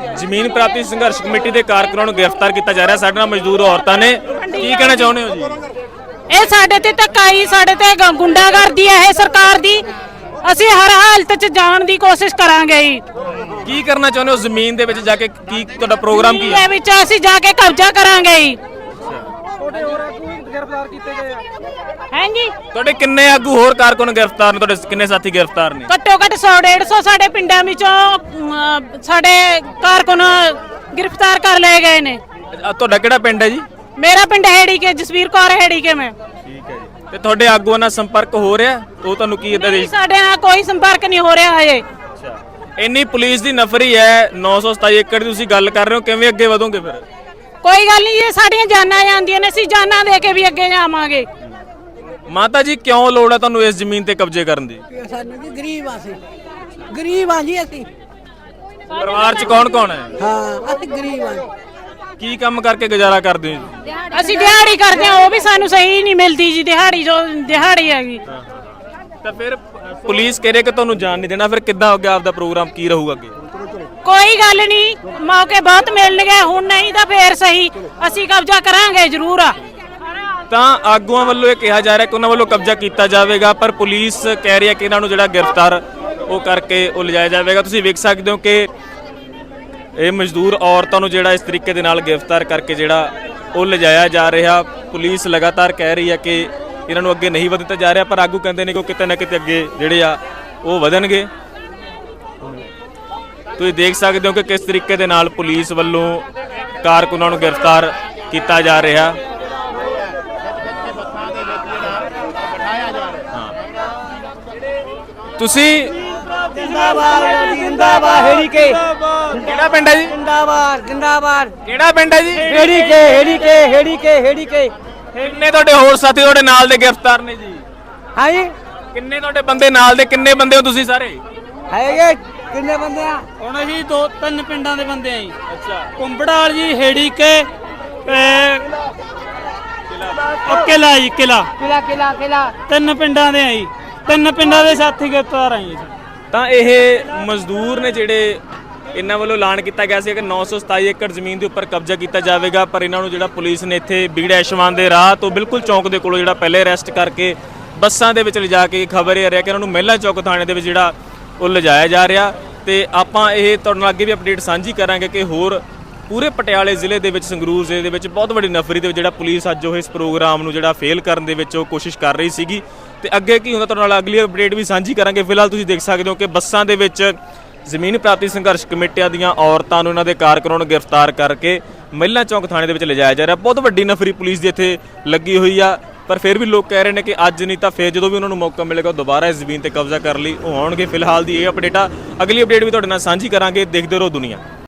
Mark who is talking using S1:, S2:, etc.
S1: ਜ਼ਮੀਨ ਪ੍ਰਾਪਤੀ ਸੰਘਰਸ਼ ਕਮੇਟੀ ਦੇ ਕਾਰਕੁਨਾਂ ਨੂੰ ਗ੍ਰਿਫਤਾਰ ਕੀਤਾ ਜਾ ਰਿਹਾ। ਸਾਡੇ ਨਾਲ ਮਜ਼ਦੂਰ ਔਰਤਾਂ ਨੇ, ਕੀ ਕਹਿਣਾ ਚਾਹੁੰਦੇ ਹੋ ਜੀ?
S2: ਇਹ ਸਾਡੇ ਤੇ ਧੱਕਾਈ, ਸਾਡੇ ਤੇ ਗੁੰਡਾਗਰਦੀ ਹੈ ਇਹ ਸਰਕਾਰ ਦੀ। ਅਸੀਂ ਹਰ ਹਾਲਤ 'ਚ ਜਾਣ ਦੀ ਕੋਸ਼ਿਸ਼ ਕਰਾਂਗੇ ਜੀ।
S1: ਕੀ ਕਰਨਾ ਚਾਹੁੰਦੇ ਹੋ ਜ਼ਮੀਨ ਦੇ ਵਿੱਚ ਜਾ ਕੇ? ਕੀ ਤੁਹਾਡਾ ਪ੍ਰੋਗਰਾਮ ਕੀ ਹੈ?
S2: ਇਹ ਵਿੱਚ ਅਸੀਂ ਜਾ ਕੇ ਕਬਜ਼ਾ ਕਰਾਂਗੇ ਜੀ।
S3: ਤੁਹਾਡੇ ਹੋਰ ਆਗੂ ਵੀ ਗ੍ਰਿਫਤਾਰ ਕੀਤੇ ਗਏ ਆ?
S2: ਹਾਂਜੀ,
S1: ਤੁਹਾਡੇ ਕਿੰਨੇ ਆਗੂ ਹੋਰ ਕਾਰਕੁਨ ਗ੍ਰਿਫਤਾਰ ਨੇ? ਤੁਹਾਡੇ ਕਿੰਨੇ ਸਾਥੀ ਗ੍ਰਿਫਤਾਰ ਨੇ?
S2: ਘੱਟੋ ਘੱਟ 100-150 ਸਾਡੇ ਪਿੰਡਾਂ ਵਿੱਚੋਂ ਸਾਡੇ ਕਾਰਕੁਨ ਗ੍ਰਿਫਤਾਰ ਕਰ ਲਏ ਗਏ ਨੇ।
S1: ਤੁਹਾਡਾ ਕਿਹੜਾ ਪਿੰਡ ਹੈ ਜੀ?
S2: ਮੇਰਾ ਪਿੰਡ ਹੈੜੀ ਕੇ, ਜਸਵੀਰ ਕੌਰ ਹੈੜੀ ਕੇ ਮੈਂ।
S1: ਠੀਕ ਹੈ ਜੀ। ਤੇ ਤੁਹਾਡੇ ਆਗੂਆਂ ਨਾਲ ਸੰਪਰਕ ਹੋ ਰਿਹਾ? ਉਹ ਤੁਹਾਨੂੰ ਕੀ ਇਦਾਂ ਦੇ?
S2: ਸਾਡੇ ਨਾਲ ਕੋਈ ਸੰਪਰਕ ਨਹੀਂ ਹੋ ਰਿਹਾ ਹਜੇ।
S1: ਇੰਨੀ ਪੁਲਿਸ ਦੀ ਨਫਰੀ ਹੈ, 927 ਏਕੜ ਦੀ ਤੁਸੀਂ ਗੱਲ ਕਰ ਰਹੇ ਹੋ, ਕਿਵੇਂ ਅੱਗੇ ਵਧੋਗੇ ਫਿਰ?
S2: ਕੋਈ ਗੱਲ ਨਹੀਂ, ਇਹ ਸਾਡੀਆਂ ਜਾਨਾਂ ਜਾਂਦੀਆਂ ਨੇ, ਅਸੀਂ ਜਾਨਾਂ ਦੇ ਕੇ ਵੀ ਅੱਗੇ ਜਾਵਾਂਗੇ।
S1: ਮਾਤਾ ਜੀ, ਕਿਉਂ ਲੋੜ ਹੈ ਤੁਹਾਨੂੰ ਇਸ ਜ਼ਮੀਨ ਤੇ ਕਬਜ਼ੇ ਕਰਨ ਦੀ?
S4: ਸਾਨੂੰ ਜੀ ਗਰੀਬ ਆ, ਗਰੀਬ ਆ ਜੀ ਅਸੀਂ।
S1: ਪਰਿਵਾਰ 'ਚ ਕੌਣ ਕੌਣ ਹੈ?
S4: ਹਾਂ, ਅਸੀਂ ਗਰੀਬ ਆ।
S1: ਕੀ ਕੰਮ ਕਰਕੇ ਗੁਜ਼ਾਰਾ ਕਰਦੇ ਹੋ ਜੀ?
S2: ਅਸੀਂ ਦਿਹਾੜੀ ਕਰਦੇ ਹਾਂ, ਉਹ ਵੀ ਸਾਨੂੰ ਸਹੀ ਨਹੀਂ ਮਿਲਦੀ ਜੀ। ਦਿਹਾੜੀ ਜੋ ਦਿਹਾੜੀ ਹੈਗੀ।
S1: ਤਾਂ ਫਿਰ ਪੁਲਿਸ ਕਹਿ ਰਹੀ ਕਿ ਤੁਹਾਨੂੰ ਜਾਣ ਨਹੀਂ ਦੇਣਾ, ਫਿਰ ਕਿੱਦਾਂ ਅੱਗੇ ਆਪਦਾ ਪ੍ਰੋਗਰਾਮ ਕੀ ਰਹੂਗਾ ਅੱਗੇ?
S2: ਕੋਈ ਗੱਲ ਨਹੀਂ, ਮੌਕੇ ਬਹੁਤ ਮਿਲਣਗੇ, ਹੁਣ ਨਹੀਂ ਤਾਂ ਫੇਰ ਸਹੀ ਅਸੀਂ ਕਬਜ਼ਾ ਕਰਾਂਗੇ ਜ਼ਰੂਰ ਆ।
S1: ਤਾਂ ਆਗੂਆਂ ਵੱਲੋਂ ਇਹ ਕਿਹਾ ਜਾ ਰਿਹਾ ਕਿ ਉਹਨਾਂ ਵੱਲੋਂ ਕਬਜ਼ਾ ਕੀਤਾ ਜਾਵੇਗਾ, ਪਰ ਪੁਲਿਸ ਕਹਿ ਰਹੀ ਹੈ ਕਿ ਇਹਨਾਂ ਨੂੰ ਜਿਹੜਾ ਗ੍ਰਿਫਤਾਰ ਉਹ ਕਰਕੇ ਉਹ ਲਿਜਾਇਆ ਜਾਵੇਗਾ। ਤੁਸੀਂ ਵੇਖ ਸਕਦੇ ਹੋ ਕਿ ਇਹ ਮਜ਼ਦੂਰ ਔਰਤਾਂ ਨੂੰ ਜਿਹੜਾ ਇਸ ਤਰੀਕੇ ਦੇ ਨਾਲ ਗ੍ਰਿਫਤਾਰ ਕਰਕੇ ਜਿਹੜਾ ਉਹ ਲਿਜਾਇਆ ਜਾ ਰਿਹਾ। ਪੁਲਿਸ ਲਗਾਤਾਰ ਕਹਿ ਰਹੀ ਹੈ ਕਿ ਇਹਨਾਂ ਨੂੰ ਅੱਗੇ ਨਹੀਂ ਵਧਣ ਜਾ ਰਿਹਾ, ਪਰ ਆਗੂ ਕਹਿੰਦੇ ਨੇ ਕਿ ਕਿਤੇ ਨਾ ਕਿਤੇ ਅੱਗੇ ਜਿਹੜੇ ਆ ਉਹ ਵਧਣਗੇ। ਤੁਸੀਂ ਦੇਖ ਸਕਦੇ ਹੋ ਕਿ ਕਿਸ ਤਰੀਕੇ ਦੇ ਨਾਲ ਪੁਲਿਸ ਵੱਲੋਂ ਕਾਰਕੁਨਾਂ ਨੂੰ ਗ੍ਰਿਫਤਾਰ ਕੀਤਾ ਜਾ ਰਿਹਾ। ਤੁਸੀਂ
S4: ਜਿੰਦਾਬਾਦ ਜਿੰਦਾਬਾਦ ਹੈੜੀ ਕੇ।
S1: ਕਿਹੜਾ ਪਿੰਡ ਹੈ ਜੀ?
S4: ਜਿੰਦਾਬਾਦ ਜਿੰਦਾਬਾਦ।
S1: ਕਿਹੜਾ ਪਿੰਡ ਹੈ ਜੀ?
S4: ਹੈੜੀ ਕੇ ਹੈੜੀ ਕੇ ਹੈੜੀ ਕੇ ਹੈੜੀ ਕੇ।
S1: ਕਿੰਨੇ ਤੁਹਾਡੇ ਹੋਰ ਸਾਥੀ ਤੁਹਾਡੇ ਨਾਲ ਦੇ ਗ੍ਰਿਫਤਾਰ ਨੇ ਜੀ?
S4: ਹਾਂ ਜੀ,
S1: ਕਿੰਨੇ ਤੁਹਾਡੇ ਬੰਦੇ ਨਾਲ ਦੇ? ਕਿੰਨੇ ਬੰਦੇ ਹੋ ਤੁਸੀਂ ਸਾਰੇ?
S4: ਹੈਗੇ ਕਿੰਨੇ ਬੰਦੇ ਆ?
S3: ਹੁਣ ਅਸੀਂ 2-3 ਪਿੰਡਾਂ ਦੇ ਬੰਦੇ ਆ ਜੀ।
S1: ਅੱਛਾ,
S3: ਕੁੰਬੜਾਲ ਜੀ, ਹੇੜੀ ਕੇ, ਕਿਲਾ ਜੀ, ਕਿਲਾ।
S4: ਕਿਲਾ ਕਿਲਾ ਕਿਲਾ।
S3: 3 ਪਿੰਡਾਂ ਦੇ ਆ ਜੀ। 3 ਪਿੰਡਾਂ ਦੇ ਸਾਥੀ ਗ੍ਰਿਫਤਾਰ ਆ ਜੀ।
S1: ਤਾਂ ਇਹ ਮਜ਼ਦੂਰ ਨੇ ਜਿਹੜੇ, ਇਹਨਾਂ ਵੱਲੋਂ ਐਲਾਨ ਕੀਤਾ ਗਿਆ ਸੀ ਕਿ 927 ਏਕੜ ਜ਼ਮੀਨ ਦੇ ਉੱਪਰ ਕਬਜ਼ਾ ਕੀਤਾ ਜਾਵੇਗਾ, ਪਰ ਇਹਨਾਂ ਨੂੰ ਜਿਹੜਾ ਪੁਲਿਸ ਨੇ ਇੱਥੇ ਬੀੜ ਐਸ਼ਵਾਨ ਦੇ ਰਾਹ ਤੋਂ ਬਿਲਕੁਲ ਚੌਂਕ ਦੇ ਕੋਲੋਂ ਜਿਹੜਾ ਪਹਿਲੇ ਅਰੈਸਟ ਕਰਕੇ ਬੱਸਾਂ ਦੇ ਵਿੱਚ ਲਿਜਾ ਕੇ ਖਬਰ ਇਹ ਆ ਰਿਹਾ ਕਿ ਇਹਨਾਂ ਨੂੰ ਮਹਿਲਾ ਚੌਕ ਥਾਣੇ ਦੇ ਵਿੱਚ ਜਿਹੜਾ ਉਹ ਲਿਜਾਇਆ ਜਾ ਰਿਹਾ। ਤੇ ਆਪਾਂ ਇਹ ਤੁਹਾਡੇ ਨਾਲ ਅੱਗੇ ਵੀ ਅਪਡੇਟ ਸਾਂਝੀ ਕਰਾਂਗੇ ਕਿ ਹੋਰ ਪੂਰੇ ਪਟਿਆਲੇ ਜ਼ਿਲ੍ਹੇ ਦੇ ਵਿੱਚ, ਸੰਗਰੂਰ ਜ਼ਿਲ੍ਹੇ ਦੇ ਵਿੱਚ ਬਹੁਤ ਵੱਡੀ ਨਫਰੀ ਦੇ ਵਿੱਚ ਜਿਹੜਾ ਪੁਲਿਸ ਅੱਜ ਉਹ ਇਸ ਪ੍ਰੋਗਰਾਮ ਨੂੰ ਜਿਹੜਾ ਫੇਲ ਕਰਨ ਦੇ ਵਿੱਚ ਉਹ ਕੋਸ਼ਿਸ਼ ਕਰ ਰਹੀ ਸੀਗੀ। ਤੇ ਅੱਗੇ ਕੀ ਹੁੰਦਾ ਤੁਹਾਡੇ ਨਾਲ ਅਗਲੀ ਅਪਡੇਟ ਵੀ ਸਾਂਝੀ ਕਰਾਂਗੇ। ਫਿਲਹਾਲ ਤੁਸੀਂ ਦੇਖ ਸਕਦੇ ਹੋ ਕਿ ਬੱਸਾਂ ਦੇ ਵਿੱਚ ਜ਼ਮੀਨ ਪ੍ਰਾਪਤੀ ਸੰਘਰਸ਼ ਕਮੇਟੀਆਂ ਦੀਆਂ ਔਰਤਾਂ ਨੂੰ, ਇਹਨਾਂ ਦੇ ਕਾਰਕੁਨਾਂ ਨੂੰ ਗ੍ਰਿਫਤਾਰ ਕਰਕੇ ਮਹਿਲਾ ਚੌਂਕ ਥਾਣੇ ਦੇ ਵਿੱਚ ਲਿਜਾਇਆ ਜਾ ਰਿਹਾ। ਬਹੁਤ ਵੱਡੀ ਨਫਰੀ ਪੁਲਿਸ ਦੀ ਇੱਥੇ ਲੱਗੀ ਹੋਈ ਆ, ਪਰ ਫਿਰ ਵੀ ਲੋਕ ਕਹਿ ਰਹੇ ਨੇ ਕਿ ਅੱਜ ਨਹੀਂ ਤਾਂ ਫਿਰ ਜਦੋਂ ਵੀ ਉਹਨਾਂ ਨੂੰ ਮੌਕਾ ਮਿਲੇਗਾ ਉਹ ਦੁਬਾਰਾ ਇਸ ਜ਼ਮੀਨ ਤੇ ਕਬਜ਼ਾ ਕਰਨ ਲਈ ਉਹ ਆਉਣਗੇ। ਫਿਲਹਾਲ ਦੀ ਇਹ ਅਪਡੇਟ ਆ, ਅਗਲੀ ਅਪਡੇਟ ਵੀ ਤੁਹਾਡੇ ਨਾਲ ਸਾਂਝੀ ਕਰਾਂਗੇ। ਦੇਖਦੇ ਰਹੋ ਦੁਨੀਆ।